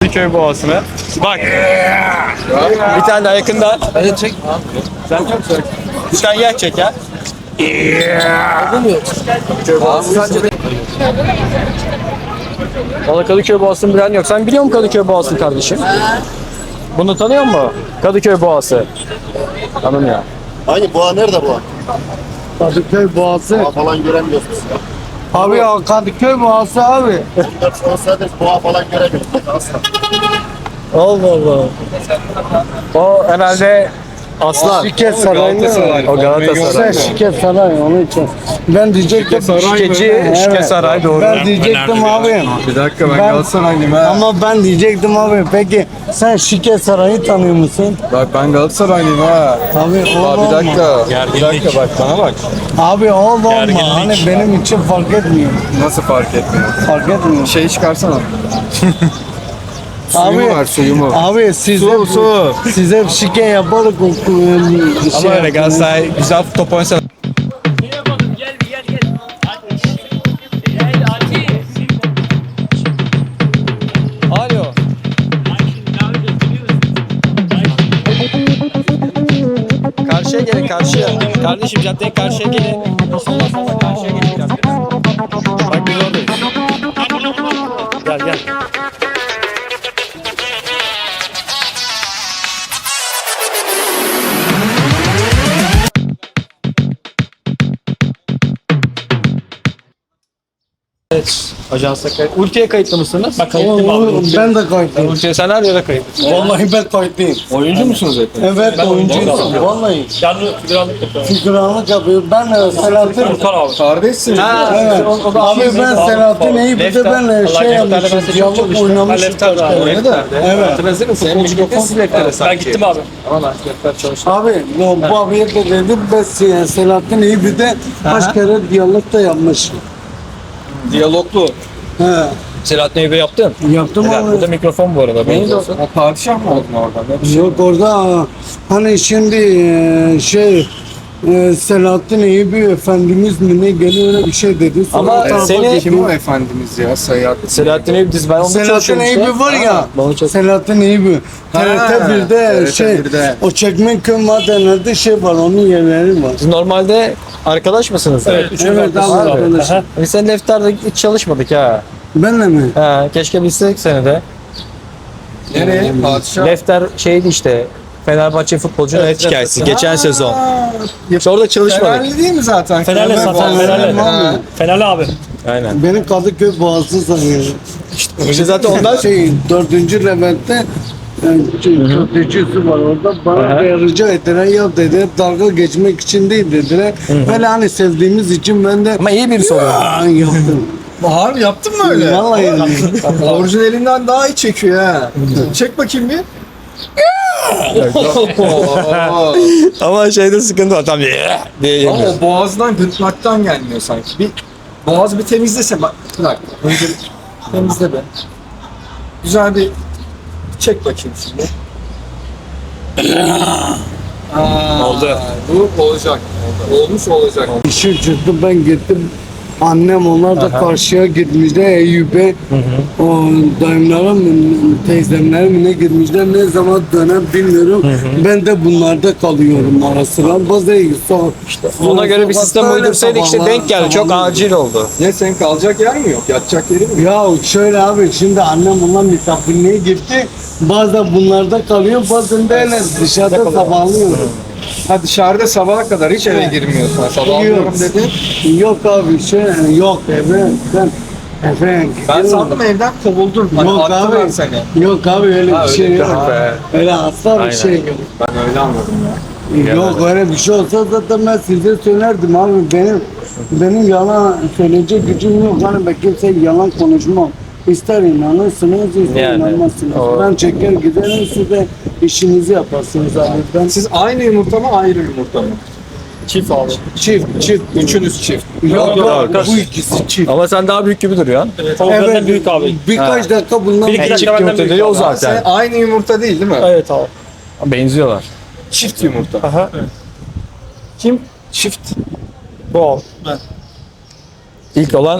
Kadıköy Boğazı'nı. Bak. Bir tane daha yakında. Hadi çek. Sen bir tane yer çek ya. Abi sence de... Valla Kadıköy Boğazı'nı bilen yok. Sen biliyor musun Kadıköy Boğazı'nı kardeşim? Bunu tanıyor musun? Kadıköy Boğazı. Tanımıyor. Hangi boğa nerede boğa? Kadıköy Boğazı. Boğa falan göremiyoruz biz. Abi ya Kadıköy Boğazı abi. 14 olsaydı boğa falan göremiyoruz. Asla. Allah Allah. O herhalde Aslan. Şirket Sarayı'nda. o Galatasaray. Sen Şirket Saray onun için. Ben diyecektim. Şikeci, Şike Saray doğru. Ben diyecektim abi. Bir dakika ben Ben- Galatasaraylıyım ha. Ama ben diyecektim abi. Peki sen Şirket Sarayı'nı tanıyor musun? Bak ben Galatasaraylıyım ha. Abi Aa, bir dakika. Bir dakika bak bana bak. Abi olma. Gerginlik. Hani benim için fark etmiyor. Nasıl fark etmiyor? Fark etmiyor. Şey çıkarsana. Abi- Suyumu ver suyumu. Abi size Su. size şike yaparak Ama öyle Galatasaray güzel top oynasa. Gel gel gel. Hadi. Gel hadi. Alo. Karşıya gelin karşıya. Kardeşim caddenin karşıya gelin. Ondan sonra karşıya gelin caddenin. Bak biz oradayız. Gel gel. Evet, ajansa kayıt. Ultiye kayıtlı mısınız? Bak Ben de kayıtlıyım. Ultiye sen her yere kayıtlısın. Vallahi ben kayıtlıyım. Oyuncu musunuz hep? Evet oyuncuyum. Vallahi. Canlı figüranlık yapıyorum. Figüranlık yapıyor. Ben Selahattin. Kurtar abi. Kardeşsiniz. Ha, Evet. o da Abi ben Selahattin iyi bir de Lefter. benle Allah şey Lefter'le ben yapmışım. size çok Diyalog çalıştım. oynamışım. Lefter kaç kere. öyle de. Evet. Hatırladın mı? Futbolcu gittiniz siz Lefter'e sanki. Ben gittim abi. Ama ben Lefter çalıştım. Abi bu abiye de dedim ben Selahattin iyi bir de kaç kere diyalog da yapmış. Diyaloglu. He. Selahattin Eyüp'e yaptın. Yaptım Helal. Bu da abi. mikrofon bu arada. Benim de olsun. Ha, padişah mı oldun orada? Yok orada hani şimdi Selahattin Eyüp Efendimiz mi ne geliyor öyle bir şey dedi. Sonra Ama o tarafa seni- geçti. Kim o efendimiz ya? Sayat. Selahattin Eyüp diz ben onu Selahattin çalışıyorum işte. Eyüp var ya. Ben onu çalışıyorum. Selahattin Eyüp. TRT 1'de TRT şey 1'de. o Çekmeköy madenlerde şey var onun yerleri var. Siz normalde arkadaş mısınız? Evet. Evet abi arkadaşım. Biz senin Lefter'de hiç çalışmadık ha. Benle mi? Ha, keşke bilsek seni de. Nereye? Padişah. Lefter şeydi işte. Fenerbahçe futbolcunun hayat hikayesi. Geçen sezon. İşte orada çalışmadık. Fenerli değil mi zaten? Fenerli Fener zaten, Boğazı. Fenerli. Abi. Fenerli abi. Aynen. Beni Kadıköy Boğazı sanıyor. İşte zaten ondan Şey 4. Levent'te köftecisi var orada bana rica ettiler ya dediler dalga geçmek için değil dediler. Böyle hani sevdiğimiz için ben de ama iyi birisi oluyor. yaptım. Harbi yaptın mı öyle? Vallahi Orijinalinden daha iyi çekiyor ha. Çek bakayım bir. Oo. Ama şeyde sıkıntı var tam diye Ama o boğazdan gırtlaktan gelmiyor sanki. Bir boğaz bir temizlese bak. Bir dakika. Önce bir temizle be. Güzel bir çek bakayım şimdi. Oldu. Bu olacak. Olmuş olacak. işi çıktı ben gittim. Annem onlar da karşıya gitmişler Eyüp'e. O dayımlara mı teyzemlere mi ne gitmişler ne zaman dönem bilmiyorum. Ben de bunlarda kalıyorum ara sıra. Bazı ona göre bir sistem uydursaydık işte denk geldi. Çok acil oldu. Ne senin kalacak yer mi yok? Yatacak yeri mi yok? Ya şöyle abi şimdi annem bundan misafirliğe gitti. Bazen bunlarda kalıyor bazen de öyle dışarıda sabahlıyor. Ha dışarıda sabaha kadar hiç eve girmiyorsun. Sabahlıyorum dedin. Yok abi yok eve Ben sandım evden kovuldun. Hani Yok attılar abi. seni. Yok abi öyle Ha, bir öyle şey bir yok. şey be. Öyle asla bir Aynen. şey yok. Ben öyle anladım ya. Yok öyle bir şey olsa zaten ben size söylerdim abi benim yalan söyleyecek gücüm yok. Hani ben kimseye yalan konuşmam. İster inanırsınız, ister Yani, inanmazsınız. o- Ben çeker giderim siz de işinizi yaparsınız abi. Ben Siz aynı yumurta mı ayrı yumurta mı? Çift abi. çift. Üçünüz çift. Yok yok, bu ikisi çift. Ama sen daha büyük gibi duruyorsun. Tavuk benden büyük abi. Birkaç dakika bundan Bir iki Çift dakika benden yumurta büyük dedi o abi. Sen zaten. aynı yumurta değil mi? Evet abi. Benziyorlar. Çift yumurta. Aha. Kim? Çift. Bu abi. İlk olan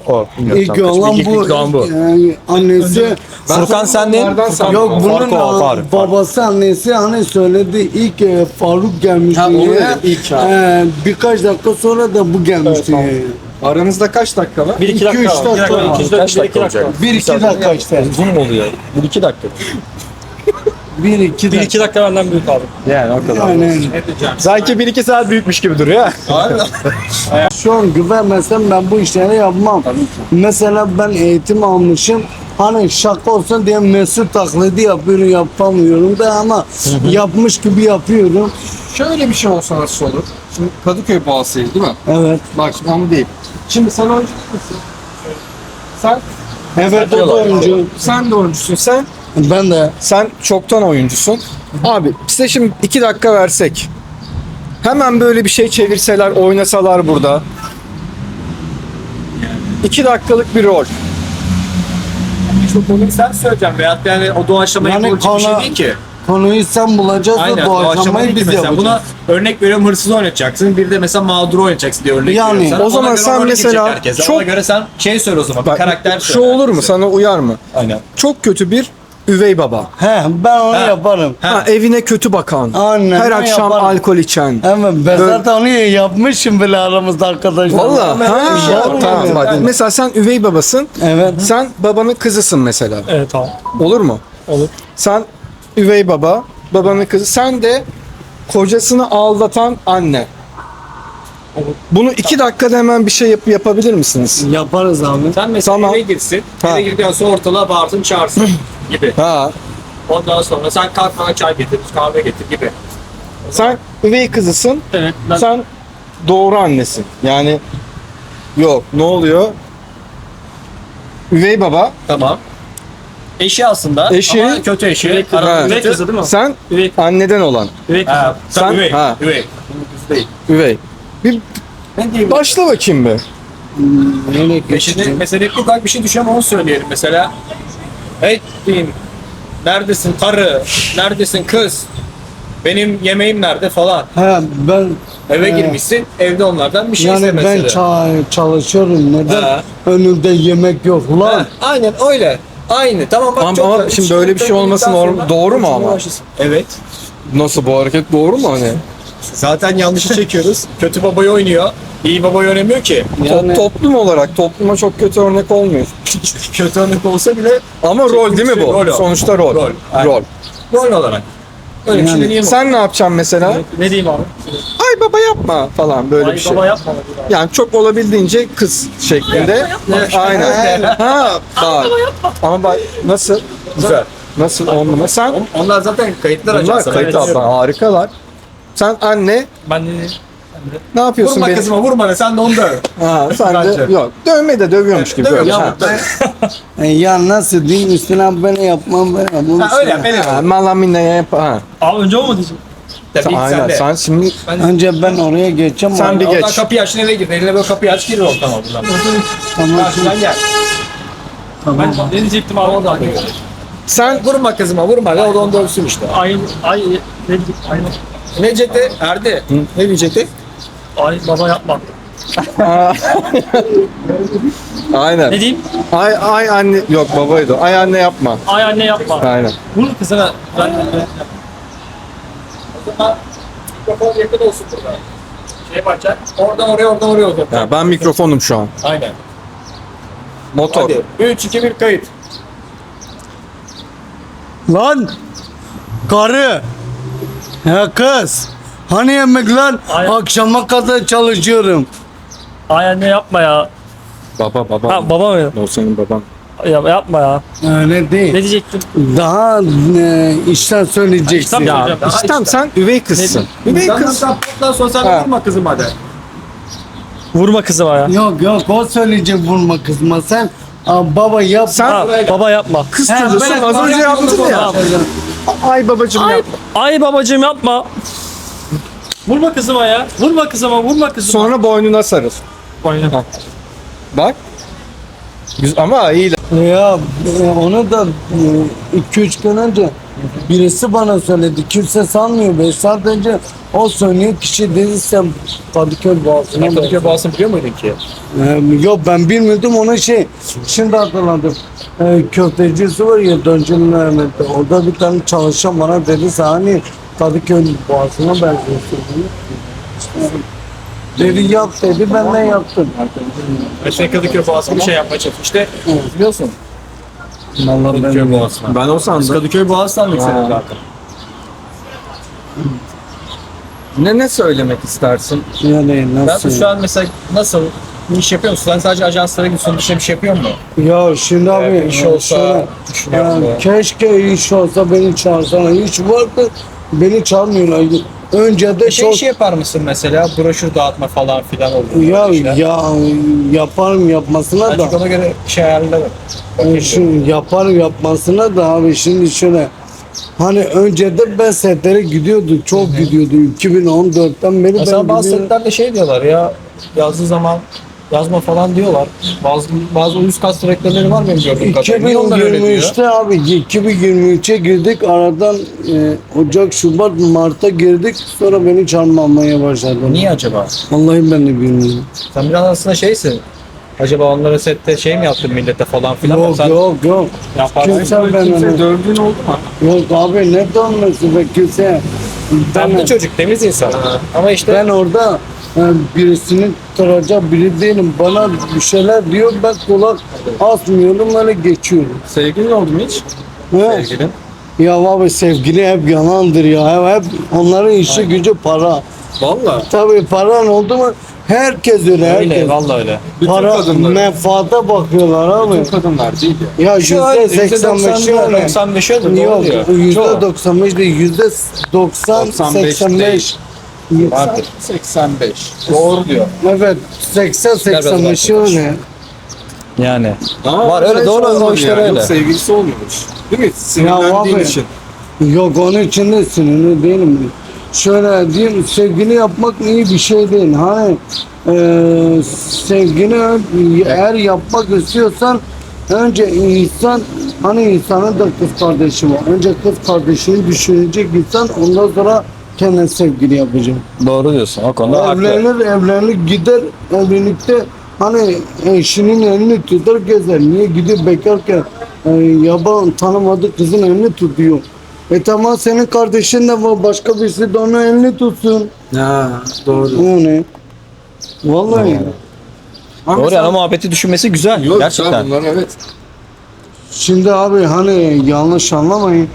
O. İlk olan İlk doğan bu. bu. Yani annesi Furkan sendin. yok bunun Farkı o, Faruk. babası annesi hani söyledi ilk Faruk gelmişti. Ha, onu ya. dedim, ilk ha. Birkaç dakika sonra da bu gelmişti. Evet, Aranızda kaç dakika var? 1-2 2-3 dakika var. dakika var. 1-2 dakika var. 1-2 dakika işte. Uzun mu oluyor? 1-2 dakika. 1-2 dakika. 1-2 dakika benden büyük abi. Yani o kadar. Yani Sanki 1-2 saat büyükmüş gibi duruyor. şu an güvenmesem ben bu işleri yapmam. Mesela ben eğitim almışım. Hani şaka olsun diye Mesut taklidi yapıyorum yapamıyorum da ama yapmış gibi yapıyorum. Şöyle bir şey olsa nasıl olur? Şimdi Kadıköy Boğazı'yız değil mi? Evet. Bak şimdi onu değil. Şimdi sen oyuncu musun? Sen Evet o da oyuncu. sen de oyuncusun. Ben de. Sen çoktan oyuncusun. Abi size şimdi 2 dakika versek. Hemen böyle bir şey çevirseler, oynasalar burada. 2 dakikalık bir rol. Çok konuyu sen söyleyeceksin veyahut yani o doğaçlama Yani yapılacak bir şey konu- değil ki. Konuyu sen bulacağız Aynen da doğaçlama doğaçlamayı değil ki biz mesela. yapacağız. Buna örnek veriyorum hırsız oynatacaksın. Bir de mesela mağduru oynayacaksın diye örnek Yani, veriyorum. sana. o zaman Ona göre sen role mesela girecek herkes. çok- Ona göre sen şey söyle o zaman. Bir Bak, karakter şu söyle. olur mu? Sana uyar mı? Aynen. Çok kötü bir üvey baba. He ben onu Ha. yaparım. Ha, evine kötü bakan. Aynen, her ben akşam yaparım. alkol içen. Hemen ben Böyle- zaten onu yapmışım bile aramızda arkadaşlar. Valla. Ben öyle bir şey Tamam. yapmıyorum. Bak, mesela sen üvey babasın. Evet. Sen babanın kızısın mesela. Evet tamam. Olur mu? Olur. Sen üvey baba, babanın kızı. Sen de kocasını aldatan anne. Bunu 2 dakikada hemen bir şey yapabilir misiniz? Yaparız abi. Sen mesela Tamam. eve girsin. Ha. Eve girdikten sonra ortalığa bağırsın çağırsın gibi. Ha. Ondan sonra sen kalk bana çay getir, kahve getir gibi. Sen üvey kızısın. Evet. Ben Sen doğru annesin. Yani yok ne oluyor? Üvey baba. Tamam. Eşi aslında Eşi- ama kötü eşi. Üvey kızı. Arada Üvey kötü. kızı değil mi? Sen Üvey, anneden olan. üvey kızı. Ha, Sen- sen üvey. ha. Üvey. Bunun kızı değil. Üvey. Bir Ne diyeyim? başla bakayım be. Şimdi mesela hep ufak bir şey düşüyor ama onu söyleyelim mesela. Hey diyeyim. Neredesin karı? Neredesin kız? Benim yemeğim nerede falan. He ben Eve girmişsin. Evde onlardan bir şey yani iste ben mesela. çalışıyorum. Neden? Ha. Önümde yemek yok Ha, lan. aynen öyle. Aynı. Tamam bak Ama- çok ama da- şimdi böyle bir şey olması doğru mu ama? Evet. Nasıl bu hareket doğru mu hani? Zaten yanlışı çekiyoruz. Kötü babayı oynuyor. İyi babayı oynamıyor ki. Yani- Toplum olarak topluma çok kötü örnek olmuyor. Kötü örnek olsa bile Ama rol değil mi bu? Rol o. Sonuçta rol. Rol, aynen. Rol. rol olarak. Öyle bir şey Yani deneyeyim. Sen ne yapacaksın mesela? Ne diyeyim abi? Ay baba yapma falan böyle Ay bir şey. baba yapma. Yani çok olabildiğince kız şeklinde. Aynen. Ha, bak. Ama bak nasıl? Güzel. Nasıl on numara? Sen Onlar zaten kayıtlar bunlar ajansı. kayıt Ben altına harikalar. Sen anne Ben de ne yapıyorsun Vurma benim? kızıma vurma ne sen de onu döv. Ha, sen de Bence. yok. Dövme de dövüyormuş gibi. Dövüyor Böyle. ya. Ha. Ya nasıl diyeyim üstüne ben yapmam ben yapmam. Ha, öyle yap. Öyle Ha, yap. malamine yap. Ha. Abi önce o mu diyeceğim? Tabii ilk Aynen. sen de. Sen şimdi Önce ben oraya geçeceğim. Sen bir Oradan geç. kapıyı aç eve gir. Eline böyle kapıyı aç gir ortama buradan. Tamam. Karşıdan gel. Ben ne diyecektim abi? Oradan gel. sen Vurma kızıma vurma. Ve o da onu dövsün işte. Ay ne diyecektim? Ay, Ne diyecekti? Erdi. Ne diyecekti? ay baba yapma. aynen. Ne diyeyim? Ay anne yok babaydı. o. Ay anne yapma. Ay anne yapma. Aynen. Vur kızına. Ben O zaman mikrofon yakın olsun burada. Şey yapacak. Oradan oraya olacak. Ya ben mikrofonum şu an. Aynen. Motor. Hadi. 3, 2, 1 kayıt. Lan karı. Ya kız. Hani yemek lan? Ay- Akşama kadar çalışıyorum. ay anne yapma ya. Baba. Ha baba mı? O senin baban. Ya, yapma ya. Öyle Ne değil. diyecektim? Daha işten söyleyeceksin. Tabii Ya hocam. işte sen üvey kızsın. Üvey Sen kız. pottan sonra sen Ha. vurma kızım hadi. Vurma kızıma ya. Yok o söyleyecek vurma kızma sen. Baba yap. Sen Ha, baba yapma. kız He, çocuğusun. ben- Az önce yaptın ya. Ay babacım Ay, yapma. ay babacığım yapma. Vurma kızıma ya. Vurma kızıma, vurma kızıma. Sonra boynuna sarıl. Aynen. Bak. Ama iyi. Ya onu da 2-3 gün önce birisi bana söyledi. Kimse sanmıyor. 5 saat önce o söyleyen kişi dediyse Kadıköy Boğazı'na. Kadıköy Boğazı'nı biliyor muydun ki? Yok ben bilmiyordum onu şimdi hatırladım. Köftecisi var ya Döncülü Mehmet'te. Orada bir tane çalışan bana dedi hani Kadıköy Boğazı'na benziyorsun. Dedi yap dedi ben de yaptım. Mesela Kadıköy Boğazı'nı bir şey yapmaya çalıştı. İşte biliyorsun. Vallahi Kadıköy Boğazı'na. Ben o Biz sandım. Kadıköy Boğazı sandık seni zaten. Ne söylemek istersin? Yani Ben nasıl? şu an mesela nasıl bir iş yapıyor musun? Sen sadece ajanslara gidiyorsun, dışarı bir şey yapıyor musun? Ya şimdi abi Bir iş olsa düşünüyor musun? keşke iş olsa beni çağırsana. Hiç vardı beni çağırmıyorlar. Önce de çok Şey yapar mısın mesela? Broşür dağıtma falan filan olur. ya yaparım yapmasına Ben da. çünkü ona göre şey ayarlarım. Şimdi yaparım yapmasına da abi şimdi şöyle hani önceden ben setlere gidiyordum çok gidiyordum 2014'ten beri Mesela ben bazı gidiyorum. setlerde şey diyorlar ya, yazdığı zaman yazma falan diyorlar. Bazı uyuz kas direktörleri var benim gördüğüm kadarıyla. Niye onlar öyle diyor? 2023'te abi 2023'e girdik aradan Ocak, Şubat, Mart'a girdik sonra beni çağırmamaya başladı. Niye acaba? Vallahi ben de bilmiyorum. Sen biraz aslında şeysin. Acaba onlara sette şey mi yaptın millete falan filan? Yok Sen yok. yaparsın. Kimse ben Kimse onu. dövdüğün oldu mu? Yok abi ne dönmesi be kimse. Tatlı çocuk, temiz insan. Ama işte Ben orada birisini tutacak biri değilim. Bana bir şeyler diyor ben kulak asmıyorum öyle geçiyorum. Sevgilin oldu mu hiç? He? Sevgilin. Ya abi sevgili hep yalandır ya. Hep onların işi gücü para. Valla. Tabii paran oldu mu herkes öyle herkes. öyle, vallahi öyle. Bütün Para kadınlar. menfaata bakıyorlar abi. Bütün kadınlar değil ya. Ya %85'i öyle. 95 öyle doğru Yok diyor. %95 değil %90 85. Vardır. 85. Doğru diyor. Evet 80-85'i öyle. Yani. Ama Var, öyle, öyle doğru, olmadı o işler yani. öyle. Yok, sevgilisi olmuyormuş. Değil mi? Sinirlendiğin abi. için. Yok onun için de sinirli değilim. Şöyle diyeyim sevgili yapmak iyi bir şey değil. Hani sevgini eğer yapmak istiyorsan önce insan hani insanın da kız kardeşi var. Önce kız kardeşini düşünecek insan ondan sonra kendine sevgili yapacak. Doğru diyorsun. O konuda haklı. Evlenir gider evlilikte hani eşinin elini tutar gezer. Niye gidiyor bekarken yaban tanımadığı kızın elini tutuyor. Tamam senin kardeşin de var başka birisi de onun elini tutsun. Ha, doğru. O ne? Vallahi. Ama Doğru mesela- yani o muhabbeti düşünmesi güzel. Yok, Gerçekten. bunlar evet. Şimdi abi hani yanlış anlamayın.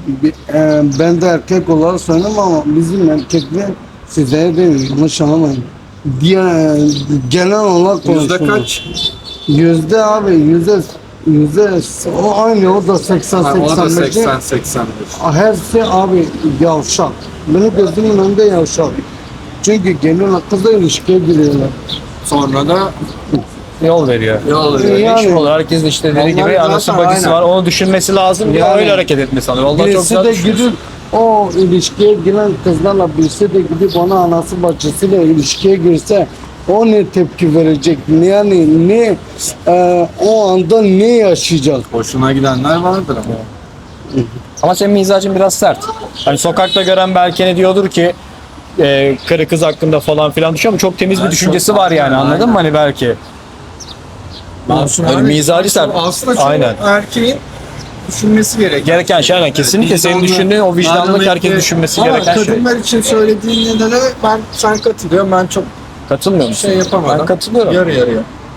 Ben de erkek olarak söylüyorum ama bizim erkekler size değil yanlış anlamayın. Diğer genel olarak Yüzde konuşuyorum. kaç? Yüzde abi yüzde o aynı o da 80 Ha, o da 85. 80-85. Hepsi abi yavşak. Benim gözümün önünde yavşak. Çünkü geliyorlar kızla ilişkiye giriyorlar. Sonra da Yol veriyor. yol Yani- veriyor. İş olur. Herkesin işte dediği Onlar gibi zaten anası bacısı aynen. var. Onu düşünmesi lazım. Yani- öyle hareket etmesi lazım. Vallahi çok Birisi güzel de düşünüyorsun. gidip o ilişkiye giren kızlarla birisi de gidip ona anası bacısıyla ilişkiye girse o ne tepki verecek? Yani ne o anda ne yaşayacak? Hoşuna gidenler vardır ama. Ama senin mizacın biraz sert. Hani sokakta gören belki ne diyordur ki karı kız hakkında falan filan düşünüyor ama çok temiz bir düşüncesi var yani anladın mı hani belki. Masum Hani abi, mizacı sert. aslında çoğu Aynen. erkeğin düşünmesi gereken. Gereken şey aynen kesinlikle senin Vicdanlı, düşündüğün o vicdanlık merhametli. herkesin düşünmesi Ama gereken şey. kadınlar için söylediğin nedene sen katılıyorum. Ben çok Katılmıyor musun? şey yapamadım. Ben katılıyorum. Yarı yarıya.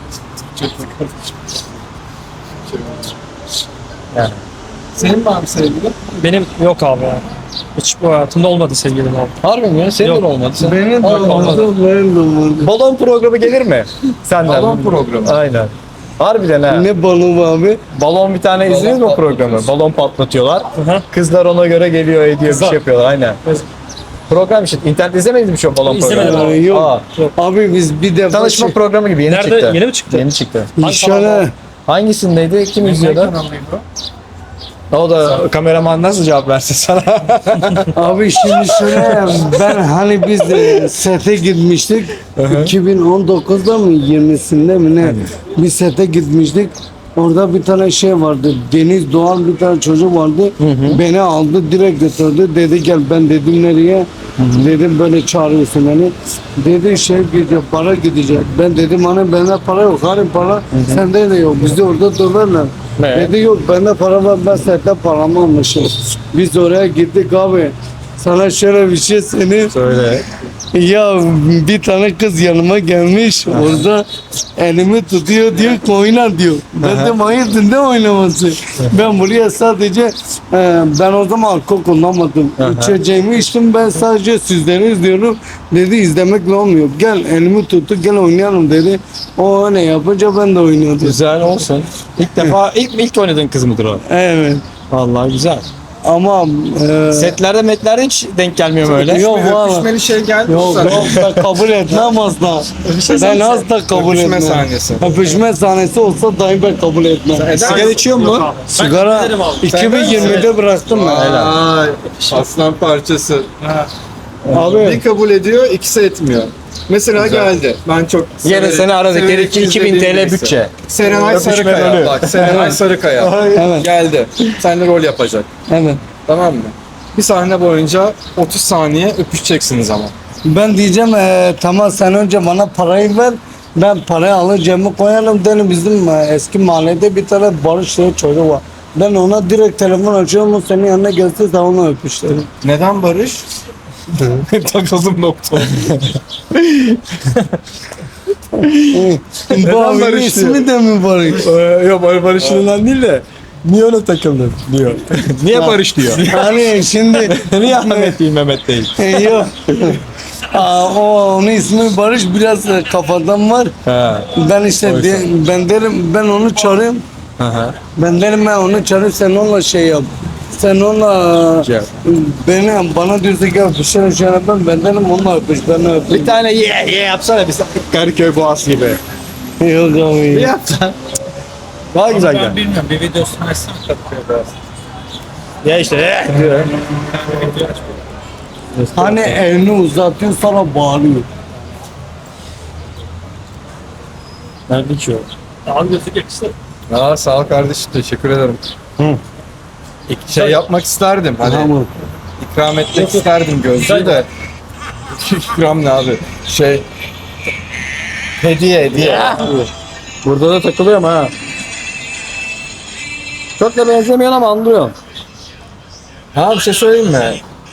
Yani. Senin var mı sevgilin? Benim yok abi ya. Hiç bu hayatımda olmadı sevgilim abi. Harbi mi ya? Senin Yok. de olmadı. Sen... Benim de olmadı, benim de olmadı. Balon programı gelir mi? Senden. Balon programı. Aynen. Harbiden ha. Ne balığı abi? Balon bir tane izlediniz mi o programı? Balon patlatıyorlar. hı. Kızlar ona göre geliyor ediyor bir Kızlar. şey yapıyorlar aynen. Program işte. İnternette izlemediniz mi şu an balon İzlemedim programı? abi. Yok. Aa, Abi biz bir defa tanışma programı gibi yeni Nerede? çıktı. Yeni mi çıktı? Yeni çıktı. şöyle Hangisindeydi? Kim izliyordu? O da kameraman nasıl cevap versin sana? Abi şimdi şöyle ben hani biz sete gitmiştik 2019'da mı 20'sinde mi ne bir sete gitmiştik. Orada bir tane şey vardı. Deniz Doğan bir tane çocuk vardı. Beni aldı direkt götürdü. Dedi gel ben dedim nereye? Dedim böyle çağırıyorsun beni. Dedi şey gidecek para gidecek. Ben dedim hani bende para yok. Hani para sende de yok. Bizde orada döverler. Ne? Dedi yok bende para var ben sette paramı almışım. Biz oraya gittik abi. Sana şöyle bir şey söyleyeyim. Söyle. Ya bir tane kız yanıma gelmiş orada elimi tutuyor diyor ki oyna diyor. Ben de hayırdır ne oynaması? Ben buraya sadece ben o zaman alkol kullanmadım. İçeceğimi içtim ben sadece sizleri izliyorum. Dedi izlemekle olmuyor. Gel elimi tuttu gel oynayalım dedi. O ne yapınca ben de oynuyordum. Güzel olsun. İlk defa ilk oynadığın kız mıdır o? Evet. Vallahi güzel. Ama Setlerde metlerde hiç denk gelmiyor böyle. yok valla. Öpüşmeli şey geldi Yok sana. yok ben kabul etmem asla. Ben asla kabul Öpüşme etmem. sahnesi. Öpüşme sahnesi olsa dahi ben kabul etmem. Sigara içiyor mu? Sigara 2020'de bıraktım ben. Ay, aslan parçası. Bir Abi kabul ediyor, ikisi etmiyor. Mesela geldi. Ben çok Yine seni aradık. severek Gerekli 2000 izlediğim TL birisi. bütçe. Serenay Öpüşme Sarıkaya. rolü. Bak Serenay Sarıkaya. evet Geldi. Seninle rol yapacak. evet. Tamam mı? Bir sahne boyunca 30 saniye öpüşeceksiniz ama. Ben diyeceğim tamam sen önce bana parayı ver. Ben parayı alır cebime koyarım dedim bizim eski mahallede bir tane Barış diye çocuk var. Ben ona direkt telefon açıyorum o senin yanına gelse de onu öpüşlerim. Neden Barış? Takıldım nokta. Bu abinin Barış ismi de mi Barış? Yok Barış'ından değil de niye ona takıldın diyor. Niye Barış diyor. Hani şimdi Niye Ahmet değil Mehmet değil. yok. Onun ismi Barış biraz kafadan var. Ha. Ben işte ben derim ben onu çağırayım. Aha. Ben derim ben onu çağırayım sen onunla şey yap. Sen onunla Şey yap. bana diyorsa gel öpüşelim şey yapalım. Ben derim onunla öpüş ben öpeyim. Bir tane ye yapsana biz Karaköy Boğaz gibi. Yok abi. Yapsan. Daha güzel gel. Ben bilmiyorum bir videosunu açsam Kadıköy biraz. Ya işte diyor. Hani elini uzatıyor sana bağırıyor. Nerede içiyor? Abi gözü geçti. Aa, sağ ol kardeşim, teşekkür ederim. Şey yapmak isterdim. Hani Tamam. ikram etmek isterdim gözlüğü de. İkram ne abi? Şey hediye. Burada da takılıyorum ha. Çok da benzemiyor ama anlıyorum. Ha, bir şey söyleyeyim mi?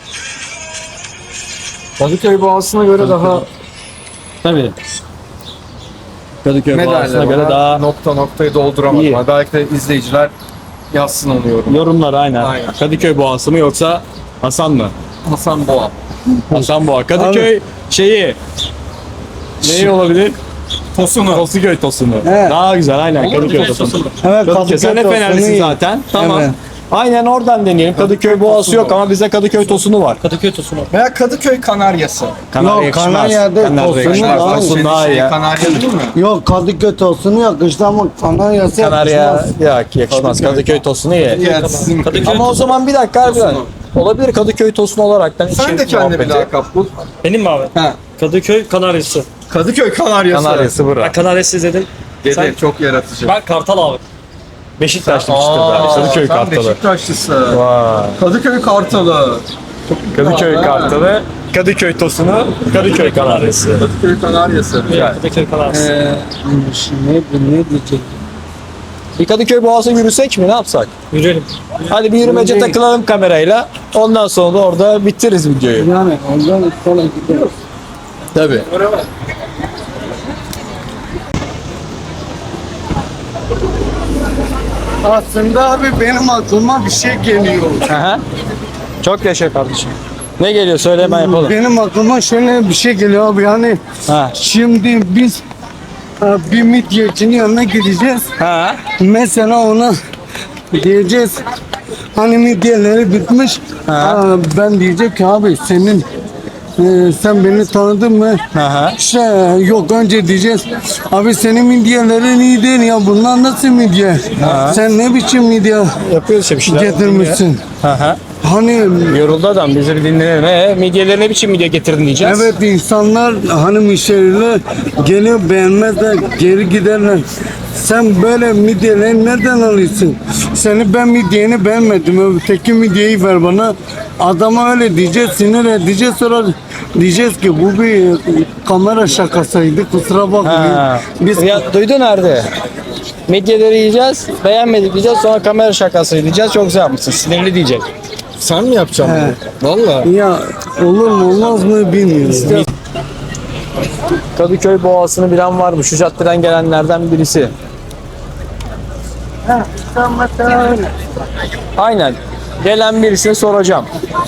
Kadıköy Boğazı'na göre daha Tabii. Kadıköy ne Boğazı'na derler göre ona? daha Noktayı dolduramadım. İyi. Ha, belki de izleyiciler yazsın onu yorum. yorumlar aynen. Aynen. Kadıköy Boğazı mı yoksa Hasan mı? Hasan Boğa. Hasan Boğa. Kadıköy şeyi neyi olabilir? Tosunu. Tosuköy tosunu. Evet. Daha güzel aynen Kadıköy tosunu. Evet Kadıköy sen de tosunu Fenerlisin iyi. zaten. Tamam. Evet. Aynen oradan deneyelim. Kadıköy Boğazı yok ama bize Kadıköy tosunu var. Kadıköy tosunu. Veya Kadıköy Kanaryası. Kanarya Yok, yakışmaz. Kanarya'da Kanarya tosunu yakışmaz. daha iyi. Tosun daha iyi ya. Kanarya değil mi? Yok Kadıköy tosunu yakıştı ama Kanarya'sı Kanarya yakışmaz. yakışmaz. Kadıköy tosunu ye. Ya sizin Ama o zaman bir dakika harbiden. Olabilir Kadıköy tosunu olaraktan. Sen de kendine bir lakap bul. Benim mi abi? Ha. Kadıköy Kanaryası. Kadıköy Kanaryası. Kanaryası bura. Ben Kanaryası izledim. Dede Sen- çok yaratıcı. Ben Kartal abi. Beşiktaşlı çıktı abi. Kadıköy sen Kartalı. Beşiktaşlısın. Vay. Kadıköy Kartalı. Kadıköy Kartalı. Kadıköy tosunu. Kadıköy Kanaryası. Kadıköy Kanaryası. Güzel. Kadıköy Kanaryası. Ne diyecek? Bir Kadıköy Boğaz'a yürüsek mi? Ne yapsak? Yürüyelim. Hadi bir yürümece Yürüyelim. takılalım kamerayla. Ondan sonra da orada bitiririz videoyu. Yani ondan sonra gidiyoruz. Tabii. Aslında abi benim aklıma bir şey geliyor. Aha. Çok yaşa kardeşim. Ne geliyor söyle hemen yapalım. Benim aklıma şöyle bir şey geliyor abi yani Ha. şimdi biz bir midyecinin yanına gideceğiz. Ha. Mesela ona diyeceğiz hani midyeleri bitmiş. Ben diyecek ki abi senin sen beni tanıdın mı? Aha. İşte yok önce diyeceğiz. Abi senin midyelerin iyi değil ya. Bunlar nasıl midye? Sen ne biçim midye Yapıyoruz işte bir şeyler. getirmişsin? Aha. Hani Yoruldu adam. Bizi bir dinleyelim. Midyeleri ne biçim midye getirdin diyeceğiz. evet insanlar hani müşteriler geliyor beğenmezler geri giderler. Sen böyle midyeleri nereden alıyorsun? Seni ben midyeni beğenmedim. Öteki midyeyi ver bana. Adama öyle diyeceğiz, sinir edeceğiz, sonra diyeceğiz ki bu bir kamera şakasıydı, kusura bakmayın. Ha. Biz Ya duydun nerede? Midyeleri yiyeceğiz, beğenmedik diyeceğiz, sonra kamera şakası diyeceğiz, çok güzel yapmışsın, sinirli diyecek. Sen mi yapacaksın bunu? Valla. ya olur mu olmaz mı bilmiyorum. Kadıköy Boğazı'nı bilen var mı? Şu caddeden gelenlerden birisi. Aynen. Gelen birisine soracağım.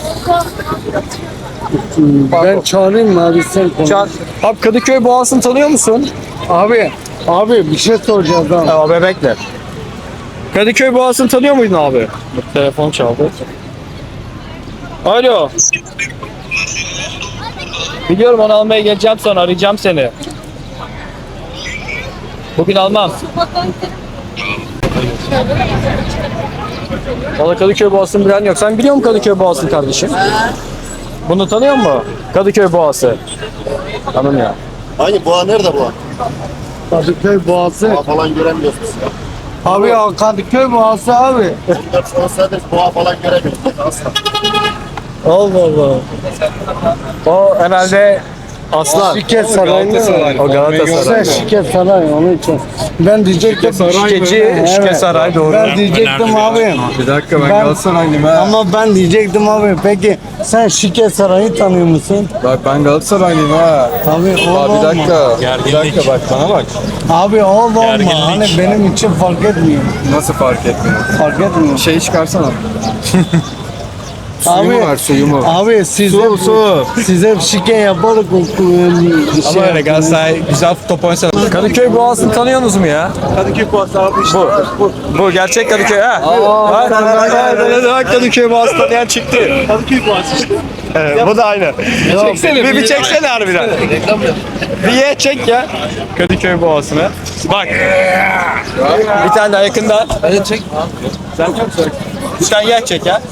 Ben çağırayım mı abi sen konuş. Abi Kadıköy Boğazı'nı tanıyor musun? Abi bir şey soracağız abi. Ya bebekle. Kadıköy Boğazı'nı tanıyor muydun abi? Telefon çaldı. Alo. Biliyorum, onu almaya geleceğim, sonra arayacağım seni. Bugün almam. Valla Kadıköy Boğazı'nı bilen yok. Sen biliyor musun Kadıköy Boğazı'nı kardeşim? Bunu tanıyor musun? Kadıköy Boğazı. Tamam ya. Hangi boğa nerede boğa? Kadıköy Boğazı. Boğa falan göremiyoruz biz. Abi ya Kadıköy Boğazı abi. 14 olsaydı boğa falan göremiyoruz asla. Allah Allah. O herhalde Aslan. Şirket sarayında. O Sen Galatasaray. şirket saray onun için. Ben diyecektim. Şikeci, Şike Saray doğru. Ben diyecektim abi. Bir dakika ben Ben- Galatasaraylıyım ha. Ama ben diyecektim abi. Peki sen şirket sarayı tanıyor musun? Bak ben Galatasaraylıyım ha. Abi Aa, olma. bir dakika. Bir dakika bak bana bak. Abi olma. Hani benim için fark etmiyor. Nasıl fark etmiyor? Fark etmiyor. Şey çıkarsana. Suyu mu var suyu mu? Abi size şike yaparız. Ama öyle Galatasaray güzel top oynasa. Kadıköy Boğazı'nı tanıyorsunuz mu ya? Kadıköy Boğazı abi işte. Bu gerçek Kadıköy ha. Bak Kadıköy Boğazı tanıyan çıktı. Kadıköy Boğazı işte. Evet, bu da aynı. Çeksene bir çeksene harbiden. Bir ye çek ya. Kadıköy Boğazı'nı. Bak. Bir tane daha yakından. Hadi çek. Sen çok söyle. Bir tane yer çek ya.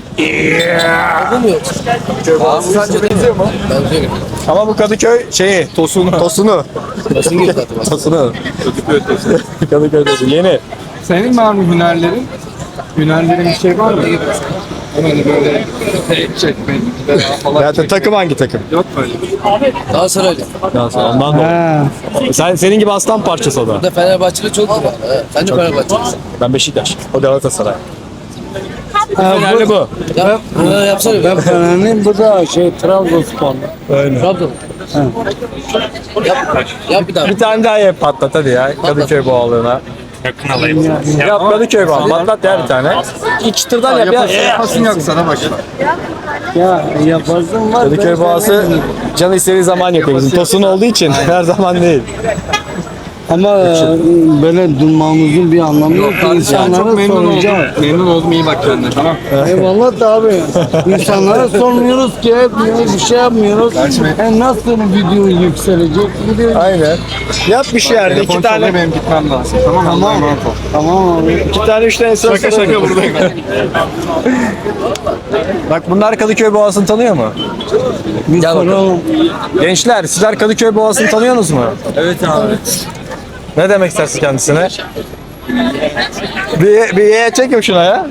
Kadıköy Boğazı sence benziyor mu? Benziyor. Ama bu Kadıköy şeyi, Tosunu. Tosunu. Tosunu. Kadıköy Tosunu. Yeni. Senin var mı hünerlerin? Hünerlerin bir şey var mı? Hani böyle tek çekmek falan. Ya takım hangi takım? Yok böyle. Galatasaraylı. Ondan dolayı. Senin gibi aslan parçası o da. Da Fenerbahçeli çok güzel. Sen de Fenerbahçelisin. Ben Beşiktaş. O Galatasaray. Ha, Önemli bu. Yap, yapsana. Ben Fener'in bu da Trabzonsporlu. Trabzon. Yap bir daha. Bir tane daha ye patlat hadi ya. Kadıköy boğalığına. Yap Kadıköy boğalı. Patlat ya bir tane. İki çıtırdan yap ya. Yapasın yok sana başla. Ya yaparsın var. Kadıköy boğası canı istediği zaman yapıyor bizim. Tosun olduğu için her zaman değil. Ama böyle durmamızın bir anlamı yok. İnsanlara Çok memnun soracağım. oldum. Memnun oldum, iyi bak kendine, tamam. Eyvallah da abi. İnsanlara sormuyoruz ki etmiyoruz, bir şey yapmıyoruz. Nasıl video yükselecek? Video... Aynen. Yap bir şey yerde. Telefon İki çalıyor, tane. benim gitmem lazım. Tamam mı? Allah'a emanet ol. Tamam abi. İki tane üç tane söz. Şaka buradayım. Bak bunlar Kadıköy boğasını tanıyor mu? Bir soralım. Gençler sizler Kadıköy boğasını tanıyorsunuz mu? Evet abi. Ne demek istersin kendisine? Bir ye çek yok şuna ya.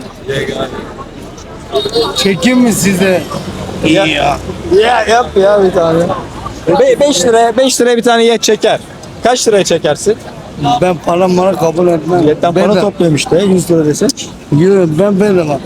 Çekeyim mi size? Ya yap ya bir tane. 5 liraya bir tane ye çeker. Kaç liraya çekersin? Ben para kabul etmem. Yetten para Bedava. topluyorum işte 100 lira desek. Yok ben bedava.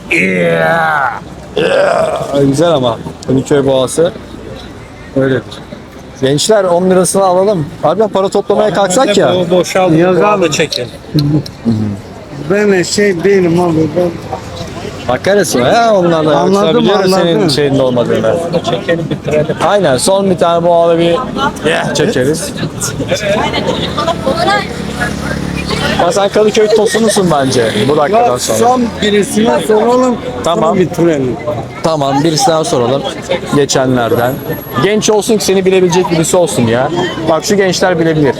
Ay, güzel ama Kadıköy boğası öyledir. Gençler 10 lirasını alalım. Harbiden para toplamaya kalksak ya. Boşaldı. Yok abi. Çekin. Ben şey değilim abi. Ben Bakarız mı ya onlarla ya. Anladım, Yoksa biliyoruz senin anladım. şeyinde olmadığını. Çekelim bitirelim. Aynen son bir tane boğalı bir çekeriz. Ya sen Kadıköy tosunusun bence bu dakikadan Ya sonra. son birisine soralım. Tamam. Sonra bitirelim. Tamam, birisi daha soralım. Geçenlerden. Genç olsun ki seni bilebilecek birisi olsun ya. Bak şu gençler bilebilir.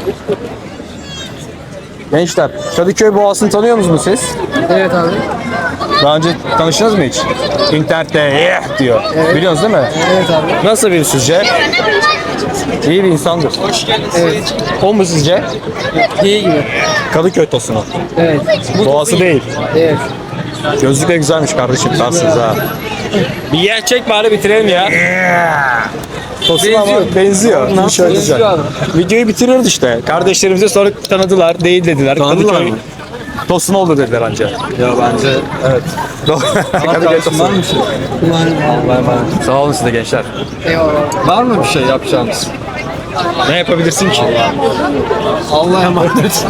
Gençler, Kadıköy Boğazı'nı tanıyor musunuz siz? Evet abi. Daha önce tanıştınız mı hiç? İnternette diyor. Biliyorsunuz değil mi? Evet abi. Nasıl biri sizce? İyi bir insandır. Evet. O mu sizce? İyi gibi. Kadıköy tosunu. Evet. Boğazı değil. Evet. Gözlük de güzelmiş kardeşim. Tarsınız ha. Bir yer çek bari bitirelim ya. Tosun ama benziyor. Bir şey olacak. Benziyor abi. Videoyu bitiriyoruz işte. Kardeşlerimize sonra tanıdılar, değil dediler. Tanıdılar Kadıköy mı? Tosun oldu dediler anca. Ya bence evet. Kadıköy Tosun. Var mı bir şey? Sağ olun size gençler. Eyvallah. Var mı bir şey yapacağımız? Ne yapabilirsin ki? Allah'a emanet.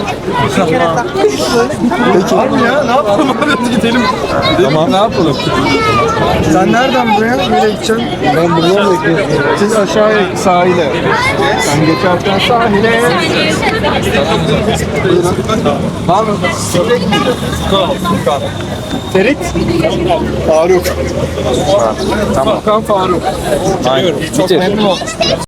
Var mı ya? Ne yapalım? Hadi gidelim. Tamam. Ne yapalım? Sen nereden buraya? Nereye gideceksin? Ben buradan bekliyorum. Siz aşağıya sahile. Sen geçerken sahile. Var mı? Ferit? Faruk. Tamam. Furkan Faruk. Aynen. Çok memnun oldum.